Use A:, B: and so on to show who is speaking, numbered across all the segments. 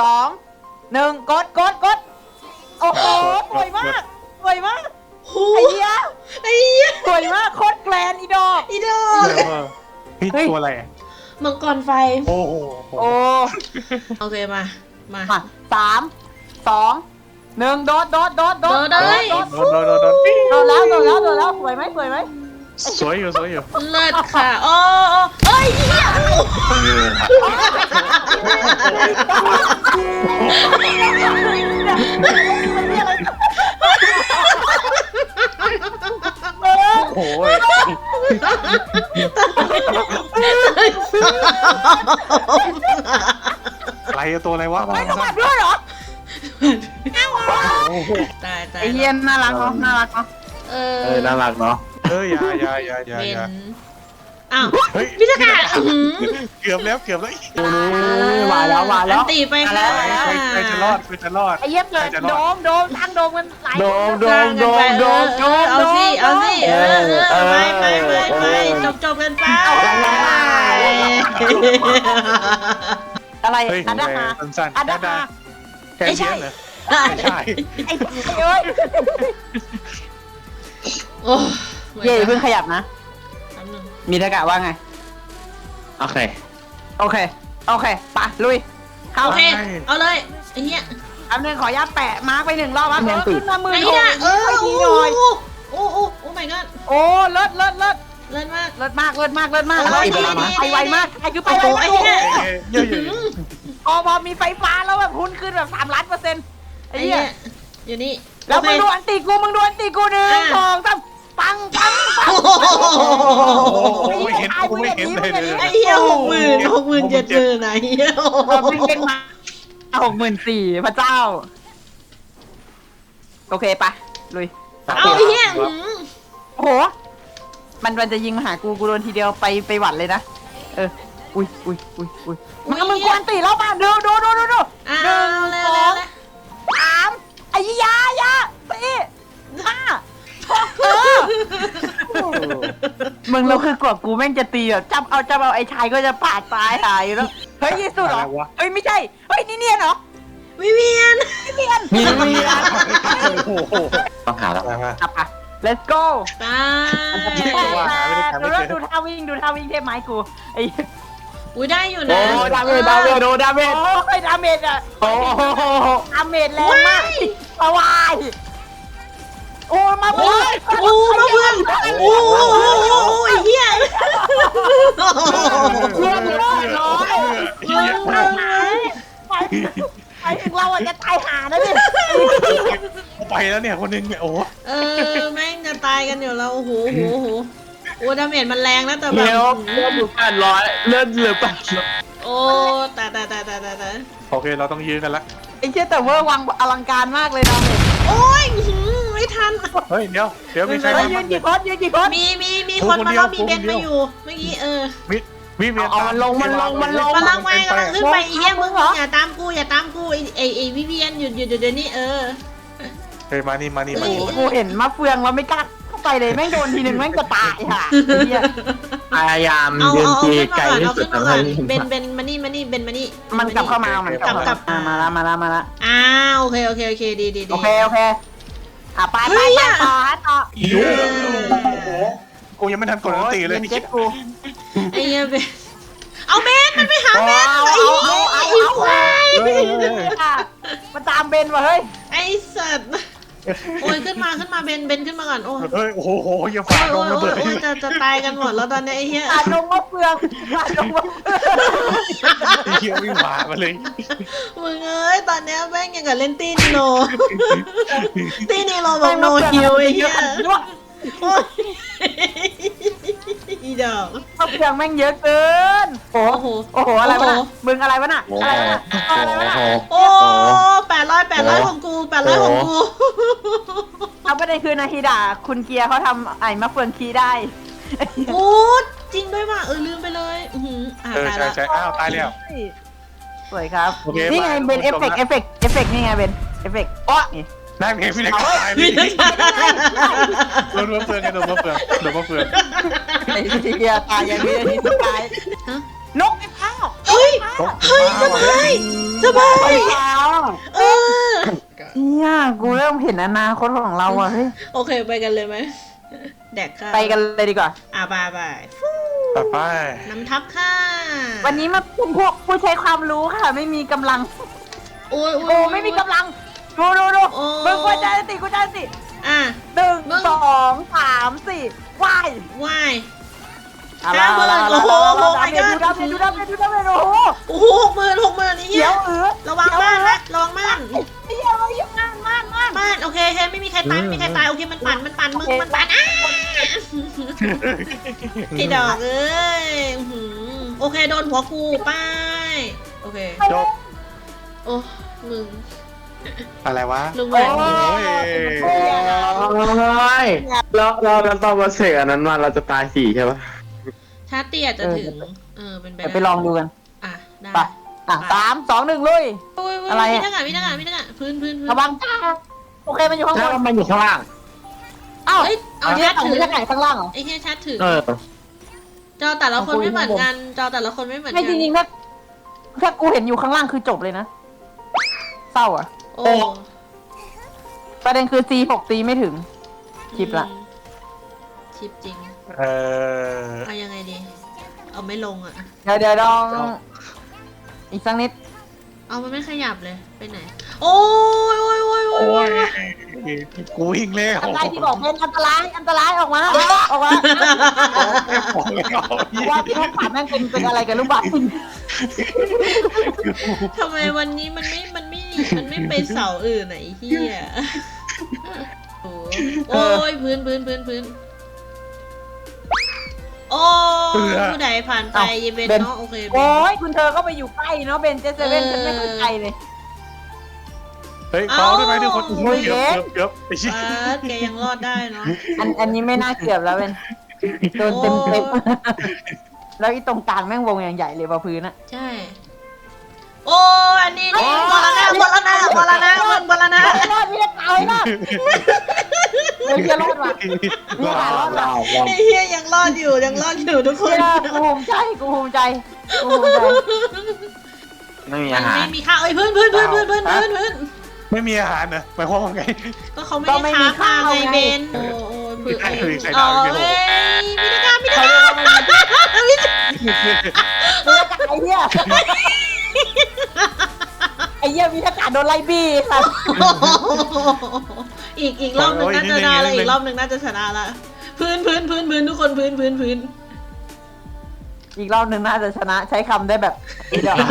A: 2 1กดโอ้โหสวยมากไอ้เหี้ยสวยมากโคตรแกรนอีดอก
B: พี่ตัวอะไร
C: มังกรไฟ
B: โอ้โห
A: โอ้
C: โอเคมา
A: 3 2 1โดด
C: เลย
B: โดน
A: โดดแล้วสวยไหม
B: สวยอยู่
C: เลิศค่ะโอ้เอ้ยเหี้ย
B: โอ้ยอะไรตัวอะไรวะ
A: ไม่ต้องมาด้วยเหรอ
C: ตาย
A: ไอ้เหี้ยน่ารักเนาะ
B: น่ารักเนาะ อย่า
C: เป็นอ้าวพี่ตะกา
B: เกือบแล้ว
A: มาแล้ว
C: ตีไปค่ะ
B: ใครจะรอด
A: ไอ้เหี้ยเกิดโดมตั้งโดมกันหลาย
C: โดเอาสิไปจบกันไป
A: อะไร
B: เฮ้ย
A: อันดาฮา
B: สั้น
A: อันดาฮา
B: แค่เพี้ยนเหรอไม่ใช่
A: ไอ้เอ้ย
C: โอ้
A: เย่เพิ่งขยับนะมีทากะว่าไงโอเคปะลุยเข้า
C: โอเคเอาเลยไอ้เหี้ย
A: อันนึงขอยัดแปะมาร์กไป1 รอบขึ้นมามือ
C: ไอ้
A: โถ
C: เหี้ย
A: โอ้
C: โอ้ my god
A: โอ้เลิศ
C: เลิศมาก
A: ไวมากไอ้คือไปไว
C: ไอ้เหี้ย
B: เยอะ
A: พอมีไฟฟ้าแล้วแบบหุ้นขึ้นแบบ3 ล้าน%ไอ้เหี้ย
C: อยู่นี่
A: แล้วมึงดูอันตีกู1 2 3ปัง
B: ไม่เห็นเลย
C: ไอ้เหี้ย60,000 ไหนเหี้ย
A: มึงเป็นมา64,000พระเจ้าโอเคปะลุย
C: เอาไอ้เหี้ย
A: โอ้โหมันจะยิงมาหากูโดนทีเดียวไปหวัดเลยนะอุ้ยมึงควรตีแล้วป่ะดู1 2 3ไอ้ยาตี5 มึงเราคือกว่ากูแม่งจะตีแบบจับเอาไอ้ชายก็จะปาดตายหายอยู่แล้วเฮ้ยยี่สุดเหรอเฮ้ยไม่ใช่เฮ้ยนี่เนียนเหรอ
C: วิเวียน
B: ต้องหาแล้ว
A: let's go
C: ตาย
A: ดูท่าวิ่งเทพไม้กูไอ้
C: อุ้ยได้อยู่นะ
A: ดาเมจโอ้ยดาเมจอ่ะดาเมจแรงมากสวายโอ้มาเพื่อน
C: โอ้ยเหี้ย
A: เพื่อนน้อยไปถึงเราอ่ะจะตายหานะเนี่ย
B: ไปแล้วเนี่ยคนนึงเนี่ยโอ้
C: แม่งจะตายกันอยู่แล้วโอ้โหดาเมจมันแรงนะแต่แบบ
A: เลือดอยู่800เลือดเหลือ800
C: โอ้ตาย
B: โอเคเราต้องยื้อกันละ
A: ไอ้เชี่ยแต่เวอร์วังอลังการมากเลยดาเมจ
C: โอ้ยไม่ทัน
B: เฮ้ยเดี๋ยวมีใคร
A: ยืนกี่คน
C: มีคนมาแล้วมีเบนมาอยู่เมื่อกี้
B: วิเวียน
A: เอามันลง
C: กำลังขึ้นไปอีเหี้ยมึงอย่าตามกูไอ้วิเวียนหยุดเดี๋ยวนี้
B: เฮ้ยมานี่
A: กูเห็นมะเฟืองแล้วไม่กล้าเข้าไปเลยแม่งโดนทีนึงแม่งจะตายค่ะพยายาม
C: เอาขึ้นมาก่อนเบนมานี่
A: มันกลับเข้ามามันกลับมาละ
C: โอเคดี
A: โอเคไปต่อ
B: กูยังไม่ทันกดตีเลย
A: เจ็บกู
C: ไอ้เหี้ยเบนเอาเบนมันไปหาเบนไอ้ควาย
A: มาตามเบนว่ะเฮ้ย
C: ไอ้สัตว์โอ้ยขึ้นมาเบนขึ้นมาก่อนโอ้
B: ยโอ้โหอย่าฝ่าลงระเบิด
C: จะตายกันหมดแล้วตอนนี้ไอ้เหี้ย
A: ลงมะเฟือง
B: ไอ้เหี้ยวิ่งฝ่ามาเลย
C: มึงตอนนี้แม่งยังกับเล่นตีนีโรบอกโนฮิวไอ้เหี้ยอีดอก
A: มะเฟืองแม่งเยอะเกินโอ้โหอะไรวะน่ะมึงอะไรวะน่ะ
C: โอ้800ของกู
A: เอาประเด็นคือนาฮิดะคุณเกียร์เขาทำไอ้มะเฟืองคีได้
C: โอ้จริงด้วยว่ะลืมไปเลย
B: ใช่อ้าวตายแล้ว
A: สวยครับนี่ไงเป็นเอฟเฟกต์นี่ไงเป็นเอฟเฟกต์อ๋อ
B: ได้เพลงพี่เล็กตายโดนมะเฟืองไอ้
A: เกียร์ตายอย่างนี้ตายนกไอ้พ้า
C: เฮ้ยสบายสบายเออ
A: เนี่ยกูเริ่มเห็นอนาคตของเราอ่ะเฮ้ย
C: โอเคไปกันเลยไหมแดกข้าว
A: ไปกันเลยดีกว่า
C: บาย
B: ไป
C: น้ำทับค่ะ
A: วันนี้มาเป็นพวกผู้ใช้ความรู้ค่ะ ไม่มีกำลัง
C: โอ้ย
A: โอ้ไม่มีกำลังดูมึงกูจะติ
C: อ่ะ
A: หนึ่ง
C: มึง
A: สองสามสี่ว้าย
C: ว่าย
A: อะไร
C: ห้าหมื่นโอ้โหโอ้ my god
A: ดูดาเมจโอ้โห
C: โอ้โห60,000นี่เฮี
A: เดี๋
C: ย
A: ยว
C: ระวังม่านนะระวังม่าน
A: ไอ้เหี้ยเราอยู่ม่าน
C: ม่านโอเคไม่มีใครตายไม่มีใครตายโอเคมันปั่นมึงมันปั่นไอ้ดอกเอ้ยโอเคโดนหัวกูป้ายโอเค
B: จบ
C: โอ้มึง
B: อะไรวะ
C: ลุงแหว
B: โอ้
C: น
B: ย
D: เราตอนมาเสกอันนั้นมาเราจะตาย4ใช่ปะ
C: ชาร์จเตี้ยจะถึงเป็นไป
A: เดี๋ยว
C: ได้
A: ไปลองดูกัน
C: อ่ะได้
A: ไปสามสองหนึ่งลุย อะไร
C: มี
A: อะ
C: ทั้งพื้น
A: ระวังจ้าโอเคมันอยู่ข้างบ
D: แล้ว
A: น
D: มันอยู่ข้างล่าง
A: เอ้า
C: เอ้ยเอา
A: เนี่ย
C: ชาร์จ
A: ของ
C: ถึง
A: ที่ไหนข้างล่างเหรอ
C: ไอ้แค่ชาร์จถึง
D: เออ
C: จอแต่ละคน
A: ของกู
C: ไม่เหมือน
A: อยู่
C: กั
A: ข้าง
C: น
A: บน
C: จอแต่ละคนไม่เหมือน
A: ไม่
C: กั
A: จริงๆถ้ากูเห็นอยู่ข้างล่างคือจบเลยนะเศร้าอ่ะ
C: โอ้
A: ประเด็นคือ C6 ตีไม่ถึง ชิปละ
C: ชิปจริง
B: เออ
C: เอายังไงดี เอาไม่ลงอ่ะ
A: เดี๋ยวลองอีกสักนิด
C: เอามันไม่ขยับเลยไปไหน โอ้ย
B: โอ้ยกูวิ่งเร็ว
A: อะไรที่บอกเป็นอันตรายออกมาออกมา
B: บอกแล้ว
A: ว่าที่เขาถามแม่งเป็นอะไรกันลูกบอล
C: ทำไมวันนี้มันไม่ไปเสาอื่นไหนเฮียโอ้ยพื้นโอ้ผู้ใดผ่านไปเยเบนเนาะโอเค
A: โอ้ยคุณเธอก็ไปอยู่ใกล้เนาะเบนเจสเว่นฉันไม่เข้าใจเลย
B: เฮ้ยเบาได้ไหมทุกคนโอ้ยเกือบไปชิ
C: แกยังรอดได้เนาะ
A: อันนี้ไม่น่าเกือบแล้วเป็นโดนเต็มแล้วอีตรงกลางแม่งวงอย่างใหญ่เลยว่าพื้นอะ
C: ใช่ โอ้อันนี้บอลนะ
A: รอดไม่ได้ตายนะเฮ้ยจะรอดว่ะนี่หารอดว่ะ
C: ไอ้เฮียยังรอดอยู่ทุกคน
A: กูภูมิใจ
D: ไม่มี
C: มั
D: อาน หาร
C: ไม่มีข้าวเอ้ยพื้น
B: ไม่มีอาหารนะหมายความว่าไง
C: ก็เขาไม่ได้ค้ามาไงเบนโอ้พื้น
B: ใคร
C: เอ้
B: ดาวอีก
C: ย
B: ไม่รู้
C: มิตรการ
A: ไอ้เหี้ยมีอากาศโดนไล่บี้ค่ะ
C: อีกรอบหนึ่งน่าจะได้แล้วอีกรอบหนึ่งน่าจะชนะละพื้นทุกคนพื้น
A: อีกรอบหนึ่งน่าจะชนะใช้คำได้แบบเดี๋ยว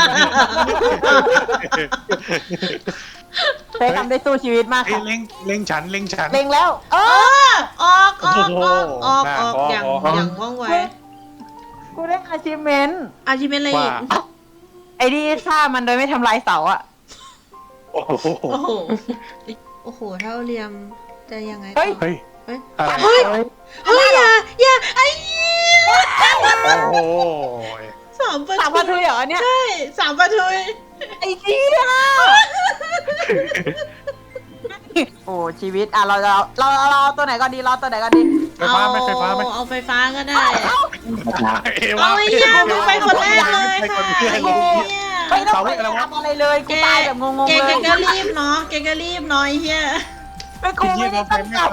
A: ใช้คำได้สู้ชีวิตมากค่ะ
B: เล็งฉัน
A: เล็งแล้ว
C: ออกอย่างว่องไว
A: กูได้อาชีพเมนต์
C: อาชีพเป็นอะไรอีก
A: ไอ้ที่ฆ่ามันโดยไม่ทำลายเสาอะ
B: โอ้โห
C: โอ้โหเท่าเรียมจะยังไง
B: เฮ้ย
C: เฮ้ย
B: อะไร
C: อย่าไอ้
B: โอ้โห
C: สามประ
A: สามพันทุยเหรอเนี่ย
C: ใช่3ประทุย
A: ไอ้เจี๊ยโอ้ชีวิตอ่ะเราตัวไหนก่อนดีเราตัวไหนก่อนดี
B: ไฟฟ้าไหม
C: เอาไฟฟ้าก็ได้
B: เอว
C: เอาไอ้เหี้ยมึงไปคนแรกเลย
B: ไปคนแรก
C: ค่ะ
A: ไม่ต้องไปทำอะไรเลยกูตายแบบงงๆ
C: แก
A: เลย
C: ก็รีบเนาะไอ้เหี้ย
A: ไม่กูไม่ได้ตั้งใจ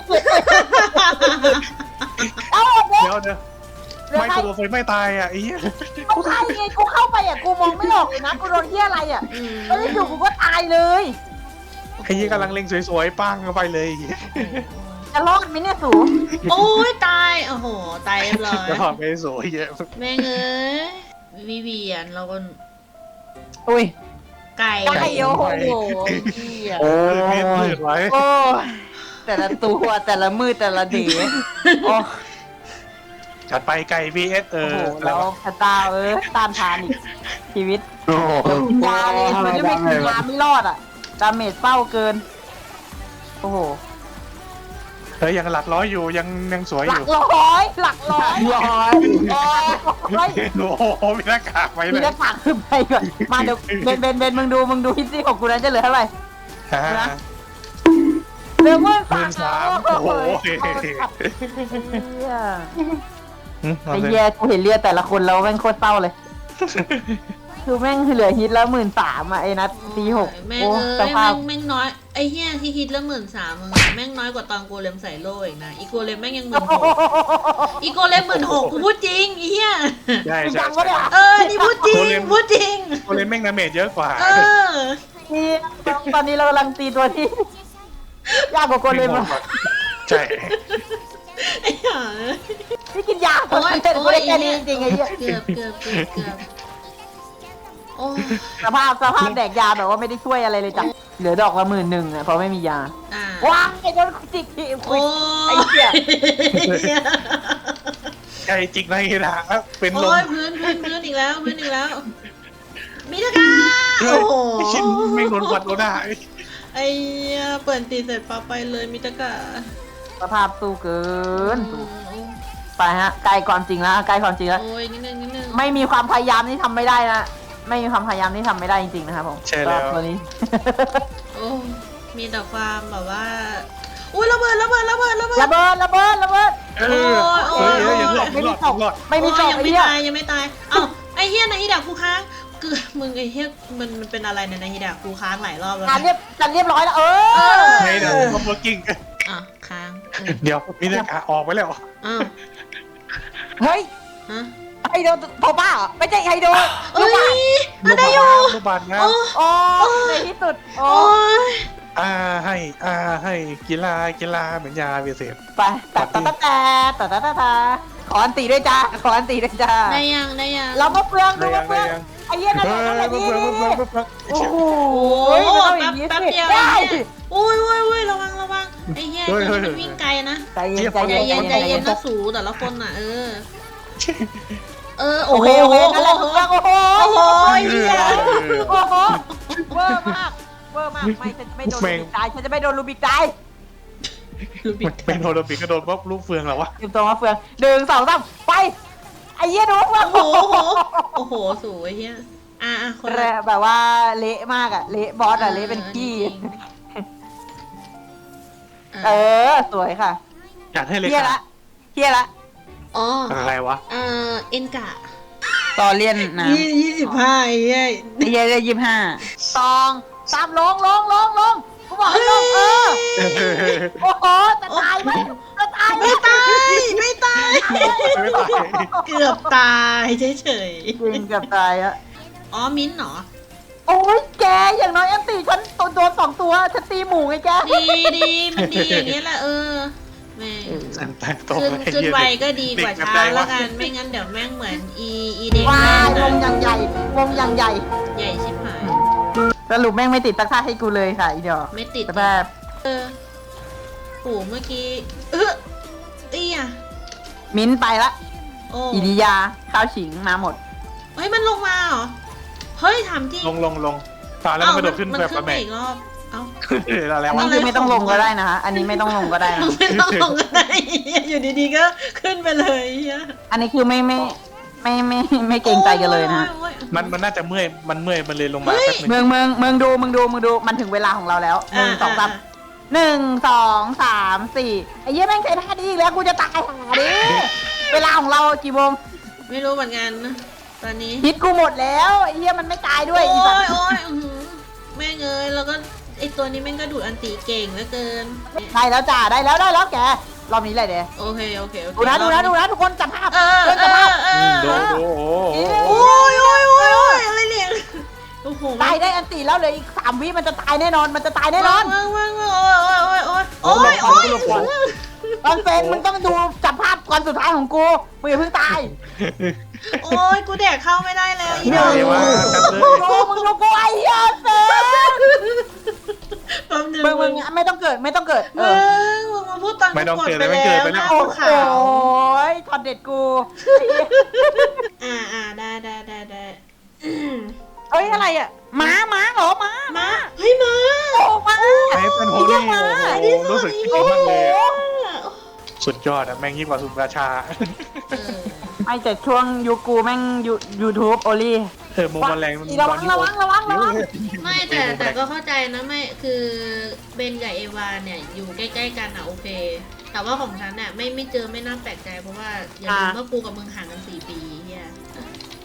A: เอา
B: เดี๋ยวไม่ตัวไฟไม่ตายอ่ะไอ้เหี้ย
A: กูตายไงกูเข้าไปอ่ะกูมองไม่ออกเลยนะกูโดนเหี้ยอะไรอ่ะแล้วอยู่กูก็ตายเลย
B: ไอ้เหี้ยกำลังเล็งสวยๆปังเข้าไปเลย
A: จะรอดไหมเนี่ยสู
C: โอ้ยตายโอ้โหตายเรียบร้อย
B: จะถอดไปสวยเยอะ
C: แม่งเอ้ยวิเวียนเราก็
A: อุ้ย
C: ไก่
A: ไก่โอ้โหเหี้ย
D: โอ้
B: มืดไว้
A: โอ้แต่ละตัวแต่ละมือแต่ละเด๋โอ้
B: จัดไปไก่ vs
A: โหแล้วพระเจ้าต้านทานอีกชีวิต
D: โห
A: ยาเลยมันจะไม่กินยาไม่รอดอ่ะดาเมจเป้าเกินโอ้โห
B: เฮ้ยยังหลักร้อยอยู่ยังสวย
A: ห
B: อ
A: ลัก
B: ยู่
A: ร้อย
B: โอ้โหมีหน้ากากไว้
A: มี
B: เลย
A: หน้ากากขึ้นไปก่อนมาเดี๋ยวเบนมึงดูฮิตซี่ของกูนั้นจะเหลือเท่าไหร่ เร็วมาก
B: 13โอ้โห
A: ไอ้เหี้ยกูเห็นเลือดแต่ละคนแล้วแม่งโคตรเศร้าเลยคือแม่งเหลือฮิตแล้ว13,000อ่ะไอ้นัดตี6
C: แม่ง
A: โอ้
C: เอ้
A: ส
C: ย
A: ภาพ
C: แม่งน้อยไอ้เหี้ยที่คิดละ13,000มึงแม่งน้อยกว่าตอนโกเลมใส่โล่อีกนะอีโกเลมแม่งยัง16,000อีโกเลม16,000กูพูดจริงไอ้เหี้ย
B: ใช่
A: จริง
B: ใช่
A: จังวะเนี่ย
C: นี่พูดจริงพูดจริง
B: โกเลมแม่งดาเมจเยอะกว่า
A: นี่ตอนนี้เรากำลังตีตัวที่ยากกว่าโกเลมอะ
B: ใช่
C: ไอ้เหี้ย
A: ที่กินยา
C: โอ้ย
A: เจ็ด
C: โอ้
A: กู
C: ย
A: ได้แค่นี้จริงๆไอ้เหี้ย
C: เกือบโอ้
A: สภาพแดกยาแบบว่าไม่ได้ช่วยอะไรเลยจ้ะเหลือดอกละ11,000อ่ะเพราะไม่มียา ว้ายโดนจิกที่
C: โอ้
A: ไอ้เหี้ย
B: ใช่จริงนะฮีราเป็นลม
C: โอ้ยพื้นอีกแล้วมีตะกาโอ้โห
B: ไอ้ชิ้นไม่โดนวัดโดนได้
C: ไอ้เปิดตีเสร็จปั๊บไปเลยมีตะกา
A: สภาพสู้เกินไปฮะใกล้ความจริงแล้วใกล้ความจริงแล้ว
C: โอ้ยนิดนึง
A: ไม่มีความพยายามนี่ทำไม่ได้นะไม่มีความพยายามนี่ทำไม่ได้จริงๆนะครับผม
B: ใช่แล้ว
A: ตัวนี้
C: โอ้มีแต่ความแบบว่าอุ้ยระเบิด
A: ระเบิด
B: เออเฮ้ยยังรอด
A: ไม่มีศพ
B: รอด
A: ไม่มีศพ
C: ยัง
A: ไอ้
C: ไม่
A: เหี้ย
C: ตายยังไม่ตายอ้าวไอ้เฮียนายฮิดากูค้างคือมึงไอ้เฮียมันเป็นอะไรเนี่ยนายฮิดากูค้างหลายรอบแล้ว
A: การเรียบร้อยแล้ว
B: ไม่ได้คอมโบกิ้ง
C: อ่ะค้าง
B: เดี๋ยวมีแต่ขาออกไปแล้ว
C: อ้าว
A: เฮ้ย
C: ฮะ
A: ไฮโดโทบ้าเหรอไม่ใช่ไฮโด
C: เอ้ยได้อยู่
B: ลูกบาลนะ
C: โอ้
A: โอ้ในที่สุดโอ้
C: โอ้ย
B: ให้กีฬาเหมือนยาเวเศษ
A: ไปตาขออันตีด้วยจ้าขออันตีด้วยจ้า
C: ได้ยัง
A: เรามาเปลืองดูมาเปลืองไอ้เหี้ยนั่นแหละนั่นแหละนี่โอ้โห
C: แป๊บเดียวอุ้ยระวังไอ้เฮียมันวิ่งไกลนะ
A: ใจเย็น
C: ใจเย็นนะสูแต่ละคนน่ะโอ้
A: โอ
C: โห
A: เคโอเคนั่นแหละเปลืองโอ้โห
C: โอ้โห
A: เหี้ยโอ้โหเวอร์มากไม่ฉันจะไม่โดนลูบิกตายฉันจะไม่โดนลูบิกตาย
B: เป็นโทรปิกก็โดนเพราะลูกเฟืองแล้ววะ
A: เตรียมตัวมาเฟือง1 2 3ไปไอ้เหี้ยโดนเฟือง
C: โอ้โหสวยเฮียคน
A: แบบว่าเละมากอะเละบอสอะเละเป็นขี้สวยค่ะ
B: อยากให้เลย
A: เฮียละ
C: อ๋อ
B: อะไรวะ
C: เอ็นกะ
A: ต่อเลียนนะ
C: 25ไอ้เหี้ย
A: ไอ้เฮียได้25 2 3ลงกูบอกให้ลงโอ้โหจะตายไหมจะตายไหม
C: ไม่ตาย
B: ไม่ตาย
C: เกือบตายเฉย
A: จริงกับตายอะ
C: ๆอ๋อมิ้นท์เหรอ
A: โอ้ยแกอย่างน้อยแอนตี้ฉันโดน2 ตัวฉันตีหมูไงแก
C: ดีมันดีอย่างเงี้ยแหละแม่
B: สันแต่ตรง
C: ขึ้นไวก็ดีกว่าช้าแล้วกันไม่งั้นเดี๋ยวแม่งเหมือนอีเด็ก
A: ว้า
C: แม่
A: วงอย่างใหญ่
C: ใหญ่ชิบหาย
A: สรุปแม่งไม่ติดตักท่าให้กูเลยค่ะอีเดียว
C: ไม่ติด
A: แบบ
C: โอ้เมื่อกี้ตี้อ่ะ
A: มิ้นไปละ
C: โอ้
A: อิริยาข้าวฉิงมาหมด
C: เฮ้ยมันลงมาเหรอเฮ้ยถามจริง
B: ลงตาแล้วมันกระโดดขึ้นแบบ
C: ขึ้น
B: แบ
C: มา
B: บ
C: อีกรอบเอ้า
B: อะไร
A: อัน
B: วะ
A: นี้คือไม่ต้องลงก็ได้นะคะอันนี้ไม่ต้องลงก็ได้นะ
C: ไม่ต้องลงก็ได้อยู่ดีๆก็ขึ้นไปเลยเฮีย
A: อันนี้คือไม่เกรงใจกันเลยนะ
B: มันน่าจะเมื่อยมันเลยลงมาแป๊บนึง
A: มึงดูมันถึงเวลาของเราแล้ว1 2 3 1 2 3 4ไอ้เหี้ยแม่งใช้ท่าดีอีกแล้วกูจะตายหาดิเวลาของเรากี่โมง
C: ไม่รู้เหมือนกันนะตอนนี้
A: ฮิตกูหมดแล้วไอ้เหี้ยมันไม่ตายด้วย
C: โอ้
A: อีสัต
C: ย
A: ว์
C: โอ้ยแม่งเอ้ยแล้วก็ไอตัวนี้แม่งก็ดูดอันตีเก่งเหลือเกิน
A: ได้แล้วจ้าได้แล้วแกรอบนี้เลยเด้
C: โอเค
A: ดูนะทุกคนจับภาพ
B: ดูโอ้
C: โอ้ยอะไรเนี่ยโอ้โห
A: ตายได้อันตีแล้วเหลยอีก3 วิมันจะตายแน่นอนมันจะตายแน่นอน
C: ว่างโอ้ย
A: ตอนเฟนมึงต้องดูจับภาพก่อนสุดท้ายของกูมึงอย่าเพิ่งตาย
C: โอ้ยกูแดกเข้าไม่ได้แล้วอี
B: ใหญ่ว่าจับเลย
A: มึงดูกูไอ้เหี้ยเฟน
C: แป๊บนึง
A: มึงไม่ต้องเกิด
C: มึงมาพูดตอนกูกดไปแล้ว
A: โอ้
C: ขาว
A: ยทอดเด็ดกู
C: ได้
A: เอ้ยอะไรอ่ะม้าเหรอม้า
C: มาเฮ้ยมา
A: โอ้ม้า
B: ไอ้เป็นโฮลี่รู้สึกดีมากเลยสุดยอดอะแม่งยิ่งกว่าสุนราชา
A: ไอ้แต่ช่วงยูกูแม่งยูทูบโอลี่
B: มุมแมลง
A: ระวัง
C: ไม่แต่ก็เข้าใจนะไม่คือเบนกับเอวาเนี่ยอยู่ใกล้ๆกันอ่ะโอเค แต่ว่าของฉันเนี่ยไม่เจอไม่น่าแปลกใจเพราะว่าอย่าลืมว่ากูกับมึงห่างกัน4 ปีเฮีย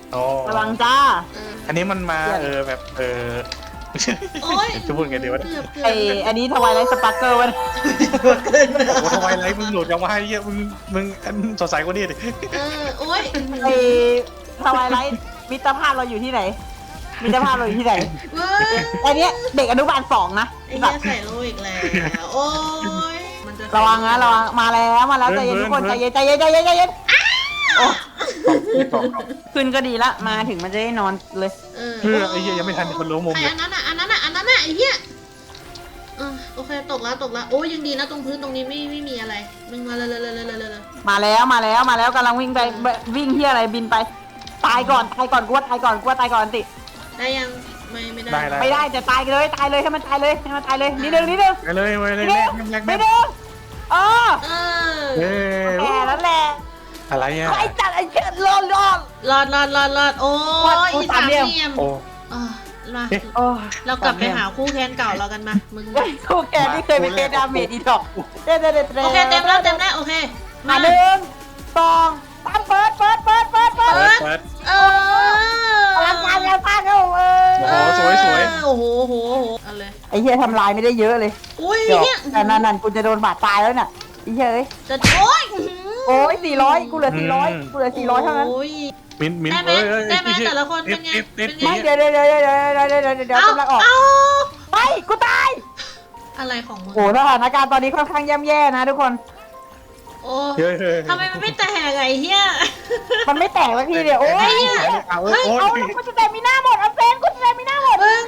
B: อ๋อ
A: ระวังจ้า
B: อันนี้มันมาแบบ
C: โอ๊ย
B: จะพูดไงดีวะ
C: เกือบ
A: ไออันนี้ทวายไลท์สปาร์เกิลวะ
C: เกิน
B: โอ้ทำไมไรมึงโหลดยังมาให้เยอะมึงอันสดใสกว่านี้ดิ
C: โอ๊ย
A: ไอทวายไลท์มิตรภาพเราอยู่ที่ไหนมิตรภาพเราอยู่ที่ไหน
C: เว้ย
A: อันเนี้ยเด็กอนุบาล2นะ
C: ไอ้เหี้ยใส่โลอีกแล้วโอ๊ยมันจะ
A: ระวังนะระวังมาแล้วใจเย็นทุกคนใจเย็นโอ้ขึ้นก็ดีละมาถึงมันจะได้นอนเลย
B: เพื่อไอ้เหี้ยยังไม่ทันคนรู้มุม
C: ไอ้
B: เลย
C: อันนั้นอ่ะไอ้เหี้ยโอเคตกแล้วโอ้ยยังดีนะตรงพื้นตรงนี้ไม่มีอะไรมึงมาเลย
A: มาแล้วกำลังวิ่งไปวิ่งที่อะไรบินไปตายก่อนกลัวตายก่อนติ
C: ได้ยังไม่ได้
A: ไม่ได้จะตายเลยให้มันตายเลยนิดนึง
B: ไปเลยแม่
A: เออ
C: เออ
A: แค่นั้นแหละ
B: อะไรอ่ะ
A: ไอ้จัดไอ้เชิดรอด
C: รอดโอ้ยอีสามเหลี่ยม
B: โอ้
C: มา
A: โอ้
C: เรากลับไปหาคู่แค้นเก่าเรากันมามึง
A: กูแกที่เคยไปเคดาเมจอีดอกเด้
C: โอเคเต็มแล้วโอเค
A: มา1 2 3เปิด
B: เปิด
A: อลังการงานสร้างเขา
B: โอ้โหสวย
C: โอ้โหอะไร
A: ไอ้เหี้ยทำลายไม่ได้เยอะเลย
C: อุ้ย
A: เดี๋ยว
C: เนี่ย
A: แต่นั่นกูจะโดนบาดตายแล้วน่ะไอ้เหี้ยเอ้ย
C: จะโอ้ย
A: โอ้ย400กูเหลือ400เท่านั้น
C: โอ้ย
B: มิ้น
C: ได้ไหมแต่ละคนเป็นไง
A: ไม่เดี๋ยวกำลังออกไม่กูตาย
C: อะไรของมึง
A: โอ้สถานการณ์ตอนนี้ค่อนข้างย่ำแย่นะทุกคน
C: โอ้ทำไมมันไม่แตกไอ้เหี้ย
A: มันไม่แตกสักทีเดียวโอ้ย
B: เอา
A: เฮ้ยเอากูจะแต่มีหน้าหมดเอาเซนกูจะแต่มีหน้าหมด
C: มึง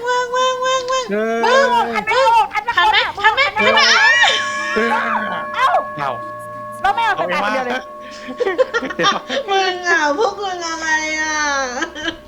A: ทันไหมเอ้า
B: เอา
A: แล้วไม่เอาแต่คนเดียวเลย
C: มึงอ่ะพวกมึงอะไรอ่ะ